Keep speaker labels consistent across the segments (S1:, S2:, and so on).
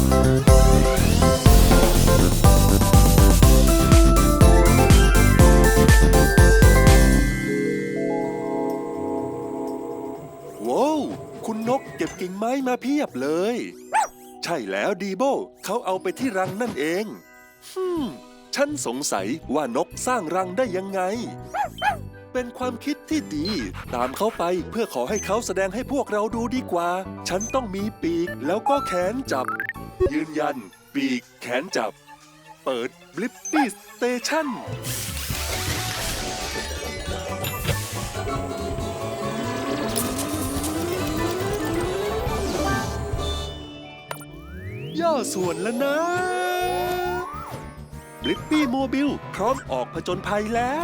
S1: ว้าวคุณนกเก็บกิ่งไม้มาเพียบเลย ใช่แล้วดีโบเขาเอาไปที่รังนั่นเองฉันสงสัยว่านกสร้างรังได้ยังไง เป็นความคิดที่ดี ตามเขาไปเพื่อขอให้เขาแสดงให้พวกเราดูดีกว่า ฉันต้องมีปีกแล้วก็แขนจับ ยืนยัน ปีกแขนจับ เปิดบลิปปี้สเตชันย่อส่วนแล้วนะบลิปปี้โมบิลพร้อมออกผจญภัยแล้ว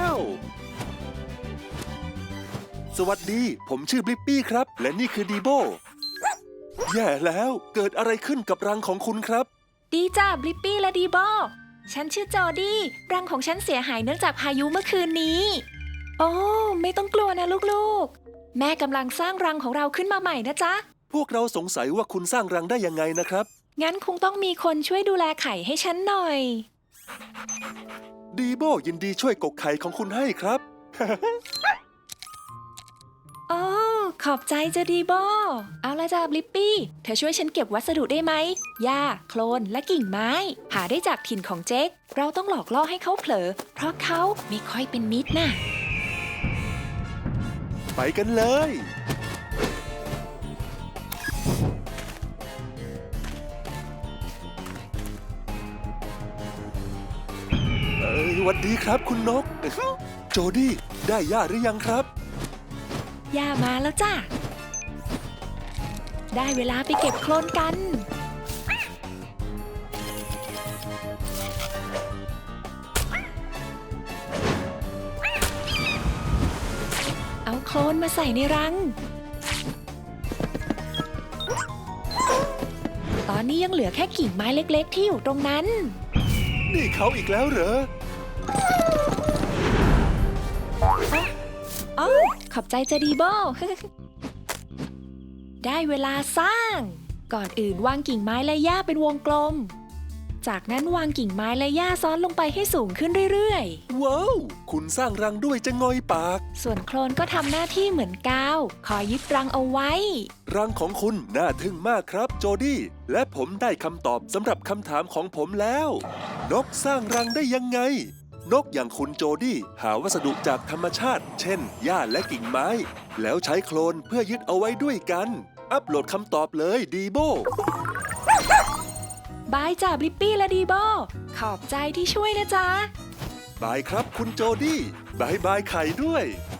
S1: สวัสดีผมชื่อบลิปปี้ครับและนี่คือดีโบแย่แล้วเกิดอะไรขึ้นกับรังของคุณครับ
S2: ดีจ้าบลิปปี้และดีโบฉันชื่อจอดี้รังของฉันเสียหายเนื่องจากพายุเมื่อคืนนี้โอ้ไม่ต้องกลัวนะลูกๆแม่กำลังสร้างรังของเราขึ้นมาใหม่นะจ๊ะ
S1: พวกเราสงสัยว่าคุณสร้างรังได้ยังไงนะครับ
S2: งั้นคงต้องมีคนช่วยดูแลไข่ให้ฉันหน่อย
S1: ดีโบยินดีช่วยกกไข่ของคุณให้ครับ
S2: โอ้ขอบใจจ้ะดีโบเอาละจ้าบลิปปี้เธอช่วยฉันเก็บวัสดุได้ไหมหญ้าโคลนและกิ่งไม้หาได้จากถิ่นของเจ๊กเราต้องหลอกล่อให้เขาเผลอเพราะเขาไม่ค่อยเป็นมิตรน่ะ
S1: ไปกันเลยสวัสดีครับคุณนก โจดี้ได้หญ้าหรือยังครับ
S2: ย่ามาแล้วจ้ะได้เวลาไปเก็บโคลนกัน เอาโคลนมาใส่ในรัง ตอนนี้ยังเหลือแค่กิ่งไม้เล็กๆที่อยู่ตรงนั้น
S1: นี่เขาอีกแล้วเหรอ
S2: อ๋อขอบใจจะดีโบ ได้เวลาสร้าง ก่อนอื่นวางกิ่งไม้และหญ้าเป็นวงกลม จากนั้นวางกิ่งไม้และหญ้าซ้อนลงไปให้สูงขึ้นเรื่อย
S1: ๆว้าวคุณสร้างรังด้วยจะงอยปาก
S2: ส่วนโคลนก็ทำหน้าที่เหมือนกาวคอยยึดรังเอาไว้
S1: รังของคุณน่าทึ่งมากครับโจดี้และผมได้คำตอบสำหรับคำถามของผมแล้วนกสร้างรังได้ยังไงนกอย่างคุณโจดี้หาวัสดุจากธรรมชาติเช่นหญ้าและกิ่งไม้แล้วใช้โคลนเพื่อยึดเอาไว้ด้วยกันอัปโหลดคำตอบเลยดีโบบ
S2: ายจ้าบลิปปี้และดีโบขอบใจที่ช่วยนะจ๊ะ
S1: บายครับคุณโจดี้บายบายไข่ด้วย